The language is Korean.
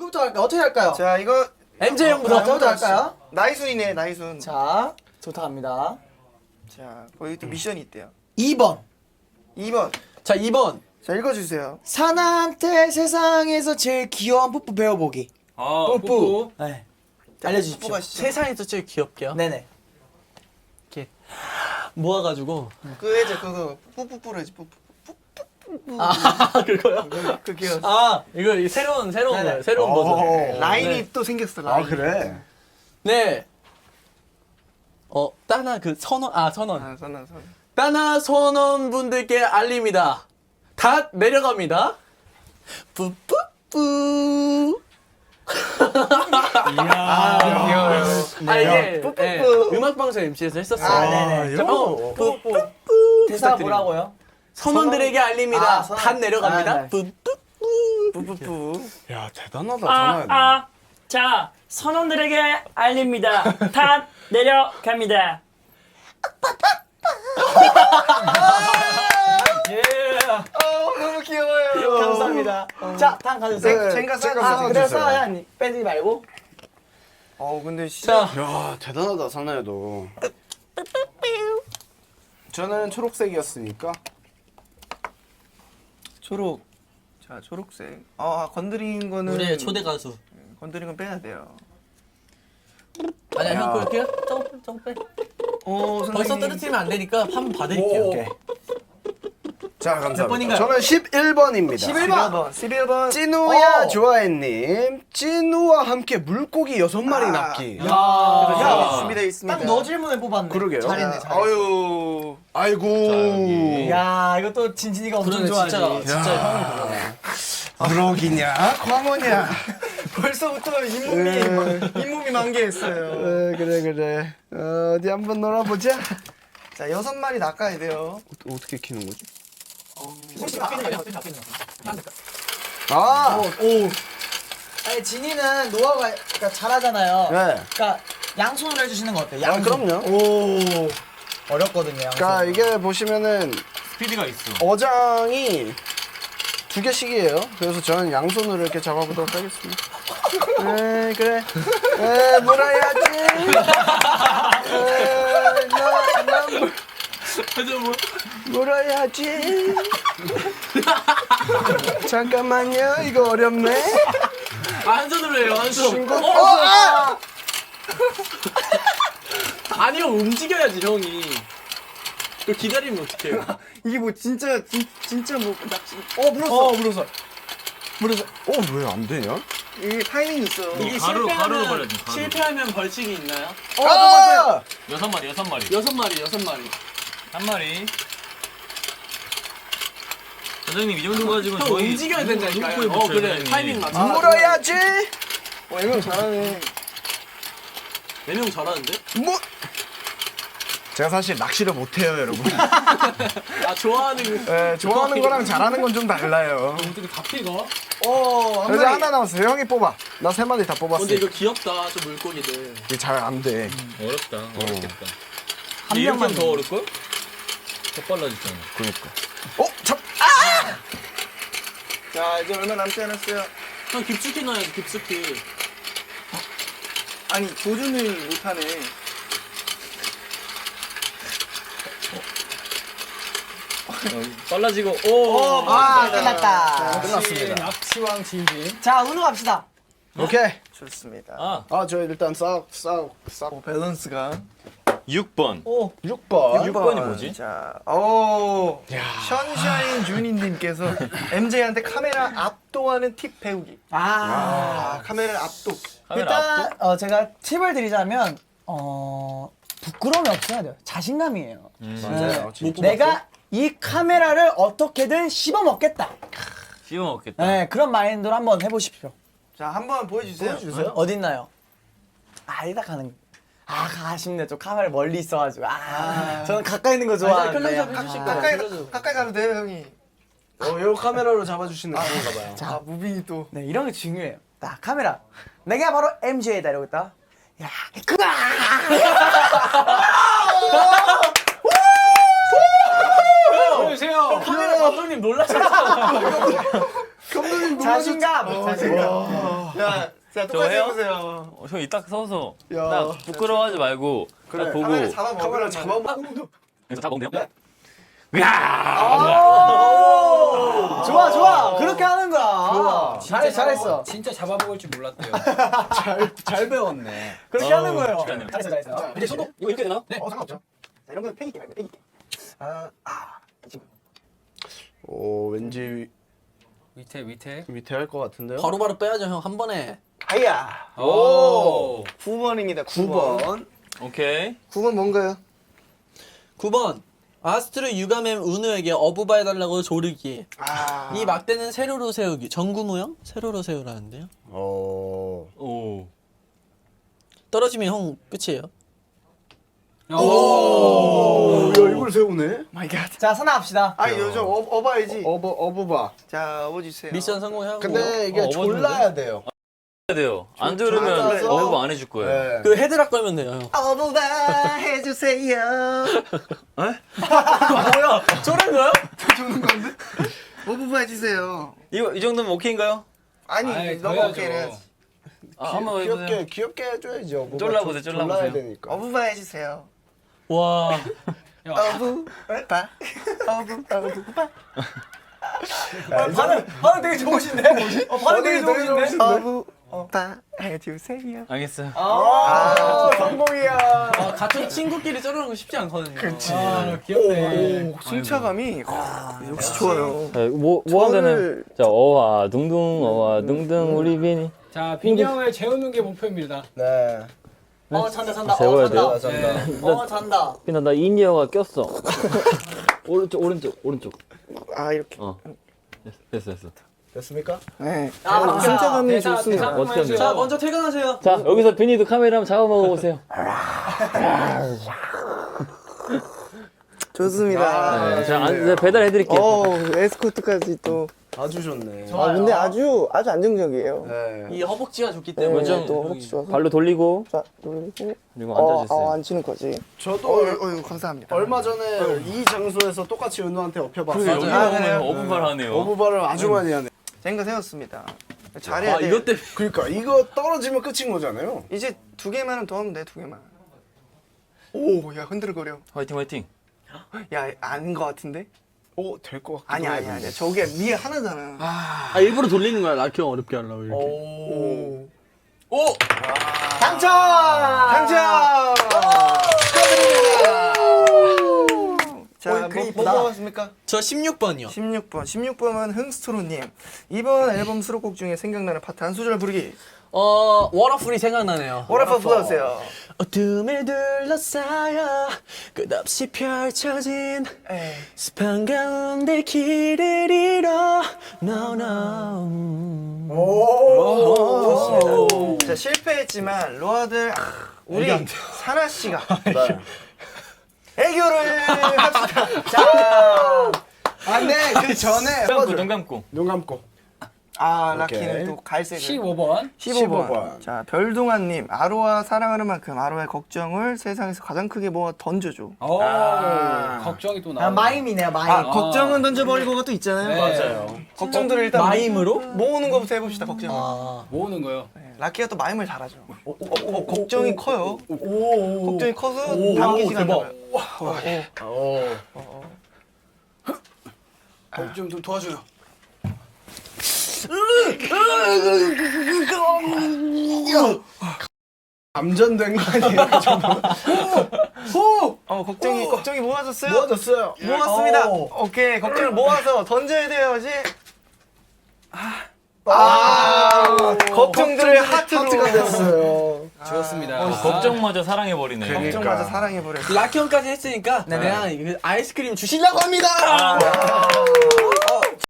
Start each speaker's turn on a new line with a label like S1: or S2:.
S1: 누구부터 할까요? 어떻게 할까요?
S2: 자, 이거
S3: MJ 형부터.
S1: 저부터 할까요?
S2: 나이순이네, 나이순.
S1: 자, 저부터 갑니다.
S2: 자, 거기 또 미션이 있대요.
S1: 2번.
S2: 2번.
S3: 자 2번.
S2: 자, 읽어주세요.
S1: 사나한테 세상에서 제일 귀여운 뽀뽀 배워보기.
S3: 뽀뽀.
S1: 네. 알려주십시오.
S2: 뽑아시죠.
S3: 세상에서 제일 귀엽게요.
S1: 네네.
S3: 이렇게 모아가지고.
S2: 그 해제 그거 뿌뿌뿌를 해지 뿌뿌.
S3: 아 그거요?
S2: 그게
S3: 아 이거 새로운 거예요. 새로운 버전.
S2: 라인이
S3: 네.
S2: 또 생겼어. 라인.
S4: 그래?
S3: 네. 따나 그 선원 선원.
S2: 아, 선아.
S3: 따나 선원 분들께 알립니다. 다 내려갑니다. 뿌뿌뿌.
S2: 귀여워요.
S3: 이게
S2: 뿌뿌뿌.
S3: 예, 음악방송 MC에서 했었어요.
S1: 아, 네네.
S3: 뿌뿌뿌.
S1: 대사가
S3: 부탁드립니다.
S1: 뭐라고요?
S3: 선원들에게 알립니다.
S1: 아, 선원.
S3: 다 내려갑니다.
S1: 아, 네.
S3: 뿌뿌뿌.
S2: 뿌뿌뿌.
S4: 야 대단하다 전화야.
S5: 자, 선원들에게 알립니다. 다 내려갑니다.
S2: 너무 귀여워요.
S1: 감사합니다. 자, 다음 가주세요.
S2: 쟁가
S1: 아,
S2: 싸주세요.
S1: 그래서 한 빼지 말고.
S2: 근데 진짜.
S3: 자,
S4: 야 대단하다 선아야도. 저는 초록색이었으니까.
S2: 초록. 자, 초록색. 건드린 거는
S3: 우리의 초대 가수.
S2: 건드린 건 빼야 돼요.
S3: 아니야, 형 그럴게요. 조금 빼. 벌써 떨어뜨리면 안 되니까 한 번 봐드릴게요.
S4: 오케이. 자 감사합니다.
S3: 번인가요?
S4: 저는 11번입니다.
S2: 11번. 11번.
S4: 찐우야 좋아해님. 찐우와 함께 물고기 6마리 낚기.
S2: 야, 준비되어 있습니다.
S1: 딱 너 질문을 뽑았네.
S4: 그러게요.
S1: 잘했네, 잘했네.
S2: 아유.
S4: 아이고.
S1: 야, 이거 또 진진이가 엄청
S3: 그러네,
S1: 좋아하지.
S3: 진짜 형이 그러네.
S4: 무럭이냐 광어냐.
S2: 벌써부터 잇몸이 만개했어요.
S4: 그래. 어디 한번 놀아보자.
S2: 자, 6마리 낚아야 돼요.
S4: 어떻게 키는 거지?
S1: 아니, 진이는 노하우가 그러니까 잘하잖아요.
S4: 네.
S1: 그러니까 양손으로 해주시는 거 어때요? 양손.
S4: 그럼요.
S1: 오, 어렵거든요. 양손.
S4: 그러니까 이게 보시면은
S6: 스피드가 있어.
S4: 어장이 2개씩이에요. 그래서 저는 양손으로 이렇게 잡아보도록 하겠습니다. 그래. 물어야지. 물어야지. 잠깐만요. 이거 어렵네.
S3: 한 손으로 해요, 한 손.
S4: 친구.
S3: 아니요, 움직여야지, 형이. 또 기다리면 어떡해요?
S2: 이게 뭐 진짜 뭐 낚시.
S1: 물었어.
S4: 왜 안 되냐?
S2: 이게 타이밍 있어.
S3: 이게
S6: 가루로 발라줘, 가루.
S3: 실패하면 벌칙이 있나요?
S4: 아!
S6: 6마리.
S3: 6마리.
S6: 한 마리. 선생님 이 정도 가지고
S3: 형
S6: 저희
S3: 움직여야 된다니까요.
S6: 눈코에 붙여야
S3: 그래.
S6: 되는데.
S3: 타이밍 맞춰.
S4: 물어야지.
S2: 이거 잘하네.
S3: 4명 잘하는데?
S4: 제가 사실 낚시를 못해요, 여러분.
S3: 좋아하는 거.
S4: 네, 좋아하는 거랑 잘하는 건 좀 달라요.
S3: 어떻게 다 피가?
S2: 한
S4: 이제
S2: 마리.
S4: 하나 남았어요. 형이 뽑아. 나 3마리 다 뽑았어.
S3: 근데 이거 귀엽다, 저 물고기들.
S4: 이게 잘 안 돼.
S6: 어렵다. 어렵겠다.
S1: 한
S6: 이렇게
S1: 명만
S6: 하면 더 어렵걸? 더 빨라지잖아.
S4: 그러니까.
S2: 자, 이제 얼마 남지 않았어요.
S3: 형 깊숙이 넣어야지, 깊숙이.
S2: 아니, 조준을 못하네.
S6: 빨라지고
S1: 끝났다.
S4: 끝났습니다.
S3: 낚시왕 진진.
S1: 자, 은우 갑시다.
S4: 오케이.
S2: 좋습니다.
S4: 저 일단 싹.
S2: 밸런스가.
S6: 6번.
S4: 6번.
S6: 6번이 뭐지?
S2: 자, 션샤인 주니님께서 MJ한테 카메라 압도하는 팁 배우기. 카메라를 압도.
S1: 일단 제가 팁을 드리자면 부끄러움이 없어야 돼요. 자신감이에요.
S4: 맞아요.
S1: 내가 이 카메라를 어떻게든 씹어 먹겠다.
S6: 씹어 먹겠다.
S1: 네, 그런 마인드로 한번 해보십시오.
S2: 자, 한번 보여주세요.
S1: 어디 있나요? 이따 가는. 아쉽네. 좀 카메라 멀리 있어가지고. 저는 가까이 있는 거 좋아하는데.
S2: 가까이 가도 돼요, 형이.
S4: 요 카메라로 잡아주시는 건가 봐요.
S2: 자, 무빙이 또.
S1: 네, 이런 게 중요해요. 딱 카메라. 내가 바로 MJ다 이러고 있다. 야, 그다.
S3: 보여주세요. 카메라 감독님 놀라셨어요.
S2: 감독님
S1: 자신감.
S2: 자,
S6: 저
S2: 똑같이
S6: 해요?
S2: 해보세요.
S6: 형 이따 서서
S4: 야.
S6: 딱 부끄러워하지 말고
S4: 그래.
S6: 딱 보고
S2: 카메라 잡아 먹으면
S4: 카메라 잡아먹고.
S6: 그래서 다 먹으면 돼요?
S1: 좋아. 그렇게 하는 거야. 잘했어.
S3: 진짜 잡아먹을 줄 몰랐대요.
S4: 잘 배웠네.
S1: 그렇게 하는 거예요.
S2: 잘했어.
S6: 이제 손도 이거 이렇게 되나? 네.
S2: 상관없죠. 자, 이런 거는 패기게 말고 패기게.
S4: 오 왠지
S3: 밑에.
S4: 밑에 할 것 같은데요?
S3: 바로바로 빼야죠 형 한 번에.
S2: 아야.
S3: 오.
S2: 9번입니다. 9번.
S6: 오케이.
S2: 9번 뭔가요?
S3: 9번. 아스트로 유가멤 은우에게 어부바 해달라고 조르기. 이 막대는 세로로 세우기. 전구 모형? 세로로 세우라는데요.
S6: 오.
S3: 떨어지면 형 끝이에요.
S4: 오, 야 이걸 세우네.
S2: 마이 갓.
S1: 자, 선화합시다.
S2: 아니 요즘 어봐야지.
S4: 어부바.
S2: 자, 어주세요.
S3: 미션 성공하고.
S4: 근데 이게
S6: 어부인데?
S4: 졸라야 돼요.
S6: 해야 돼요. 안 들으면
S2: 졸라서?
S6: 어부 안 해줄 거예요.
S4: 네.
S3: 그 헤드락 걸면 돼요 형.
S2: 어부바 해주세요.
S3: 뭐야? 저런 거요?
S2: 주는 건데? 어부바 해주세요.
S6: 이거 이 정도면 오케이인가요?
S2: 아니 너무 오케이는.
S6: 한번 해보세요.
S4: 귀엽게 해줘야지. 어부바.
S6: 쫄라보세요, 쫄라보세요.
S4: 졸라야 되니까.
S2: 어부바 해주세요.
S3: 와.
S2: 어부바. 어부바.
S1: 반응 되게 좋으신데? 반응 되게 좋으신데?
S2: 어부바 해주세요.
S6: 알겠어요.
S4: 성공이야.
S3: 같은 친구끼리 저러는 거 쉽지 않거든요. 그렇지.
S2: 귀엽네. 오, 승차감이 역시 좋아요.
S6: 뭐 하자는 자 어와 둥둥 어와 둥둥 우리 비니.
S7: 자, 빈이 형을 재우는 게 목표입니다.
S4: 네.
S1: 잔다.
S6: 재워야 돼요.
S1: 잔다.
S6: 비나 나 이니어가 꼈어. 오른쪽.
S2: 아 이렇게.
S6: 됐어.
S4: 됐습니까?
S2: 네.
S7: 승차감이
S3: 네,
S7: 좋습니다.
S6: 어떻게 하면
S3: 자
S6: 돼요?
S3: 먼저 퇴근하세요.
S6: 자 여기서 비니도 카메라 한번 잡아먹어 보세요.
S2: 좋습니다.
S6: 네, 제가 배달해드릴게요.
S2: 에스코트까지 또.
S4: 아주 좋네.
S2: 근데 아주 안정적이에요.
S4: 네.
S3: 이 허벅지가 좋기 때문에.
S6: 좀
S2: 또 허벅지 좋아서.
S6: 발로 돌리고
S2: 자, 돌리고.
S6: 그리고 앉아주세요.
S2: 앉히는 거지.
S4: 저도
S2: 감사합니다.
S4: 얼마 전에 이 장소에서 똑같이 은우한테 업혀봤어요.
S6: 여기
S2: 그래요?
S6: 보면 어부발 하네요.
S4: 어부바를 아주 많이 하네.
S2: 생각 세웠습니다. 잘해야 돼.
S3: 이것 때문에.
S4: 그러니까 이거 떨어지면 끝인 거잖아요.
S2: 이제 2개만은 더 하면 돼. 2개만. 오, 야 흔들거려.
S6: 화이팅.
S2: 야, 아닌 거 같은데?
S4: 오, 될 것 같기도
S2: 아니야.
S4: 해요.
S2: 저게 위에 하나잖아.
S3: 아 일부러 돌리는 거야 라키 형 어렵게 하려고 이렇게.
S2: 오.
S1: 당첨!
S2: 당첨! 축하드립니다. 자,
S1: 글
S2: 뭐
S1: 이쁘다.
S2: 뽑았습니까?
S3: 저 16번이요.
S2: 16번은 흥스트로님. 이번 앨범 수록곡 중에 생각나는 파트 한 소절 부르기.
S3: 워터풀이 생각나네요.
S2: 워터풀 불러주세요.
S3: 어둠을 둘러싸여 끝없이 펼쳐진 습한 가운데 길을 잃어 No.
S2: 좋습니다. 자, 실패했지만 로아들 우리 사나 씨가 애교를 합시다. 자, 안돼 그 전에
S6: 눈 감고.
S4: 눈 감고.
S2: 라키는
S4: 오케이.
S2: 또 갈색을.
S7: 15번.
S2: 15번. 자, 별동아님, 아로아 사랑하는 만큼 아로아의 걱정을 세상에서 가장 크게 모아 던져줘.
S7: 오, 걱정이 또
S1: 아,
S7: 나오네.
S1: 마임이네요, 마임.
S2: 걱정은 던져버리고가 또 있잖아요.
S7: 네.
S4: 맞아요.
S2: 걱정들을 일단
S3: 마임으로?
S2: 모으는 것부터 해봅시다. 걱정을.
S7: 모으는 거요.
S2: 네, 라키가 또 마임을 잘하죠. 걱정이 커요. 걱정이 커서 담기지가 않아요.
S4: 좀 도와줘요. 감전된 거 아니에요?
S2: 걱정이 모아졌어요?
S4: 모아졌어요.
S2: 모았습니다. 오케이, 걱정을 모아서 던져야 돼요, 이제. 걱정들을 하트가
S4: 됐어요.
S7: 좋습니다.
S6: 걱정마저 사랑해버리네.
S2: 걱정마저 사랑해버려.
S3: 라키 형까지 했으니까 내가 그 아이스크림 주시려고 합니다.